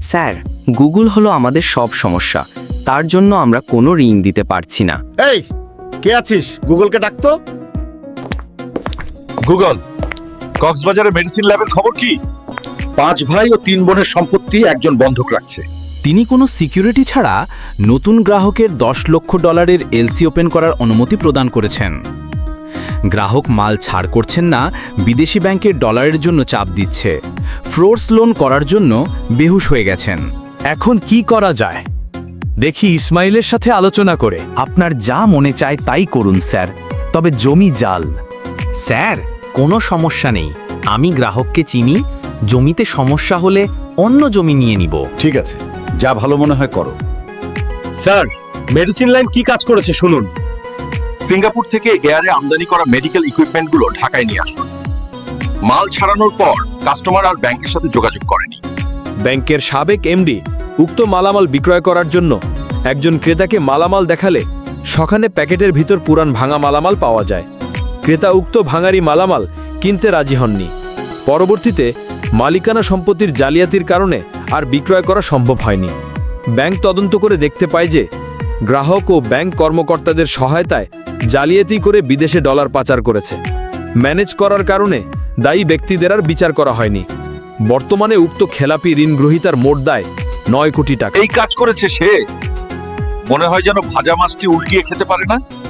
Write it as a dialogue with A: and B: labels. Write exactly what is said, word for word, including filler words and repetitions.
A: Sir, Google হলো আমাদের সব সমস্যা, তার জন্য আমরা কোনো ঋণ দিতে পারছি না।
B: এই কে আছিস? গুগলকে ডাকতো।
C: গুগল, কক্সবাজারের মেডিসিন ল্যাবের খবর কি?
B: পাঁচ ভাই ও তিন বোনের সম্পত্তি একজন বন্ধক রাখছে।
D: তিনি কোনো সিকিউরিটি ছাড়া নতুন গ্রাহকের দশ লক্ষ ডলারের এলসি ওপেন করার অনুমতি প্রদান করেছেন। গ্রাহক মাল ছাড় করছেন না, বিদেশি ব্যাংকের ডলারের জন্য চাপ দিচ্ছে। ফোর্স লোন করার জন্য বেহুশ হয়ে গেছেন।
E: এখন কি করা যায় দেখি ইসমাইলের সাথে আলোচনা করে।
D: আপনার যা মনে চায় তাই করুন স্যার, তবে জমি জাল।
F: স্যার, কোনো সমস্যা নেই, আমি গ্রাহককে চিনি। জমিতে সমস্যা হলে অন্য জমি নিয়ে নিব।
B: ঠিক আছে, যা ভালো মনে হয় করো।
E: স্যার, মেডিসিন লাইন কি কাজ করেছে শুনুন।
C: সিঙ্গাপুর থেকে এয়ারে আমদানি করা মেডিকেল ইকুইপমেন্টগুলো ঢাকায় নিয়ে আসুন। মাল ছাড়ানোর পর কাস্টমার আর ব্যাংকের সাথে যোগাযোগ করেনি।
E: ব্যাংকের সাবেক এমডি উক্ত মালামাল বিক্রয় করার জন্য একজন ক্রেতাকে মালামাল দেখালে সখানে প্যাকেটের ভিতর পুরান ভাঙা মালামাল পাওয়া যায়। ক্রেতা উক্ত ভাঙারি মালামাল কিনতে রাজি হননি। পরবর্তীতে মালিকানা সম্পত্তির জালিয়াতির কারণে আর বিক্রয় করা সম্ভব হয়নি। ব্যাংক তদন্ত করে দেখতে পায় যে গ্রাহক ও ব্যাংক কর্মকর্তাদের সহায়তায় জালিয়াতি করে বিদেশে ডলার পাচার করেছে। ম্যানেজ করার কারণে দায়ী ব্যক্তিদের আর বিচার করা হয়নি। বর্তমানে উক্ত খেলাপি ঋণ গ্রহীতার মোট দায় নয় কোটি টাকা।
C: এই কাজ করেছে সে। মনে হয় যেন ভাজা মাছটি উল্টিয়ে খেতে পারে না।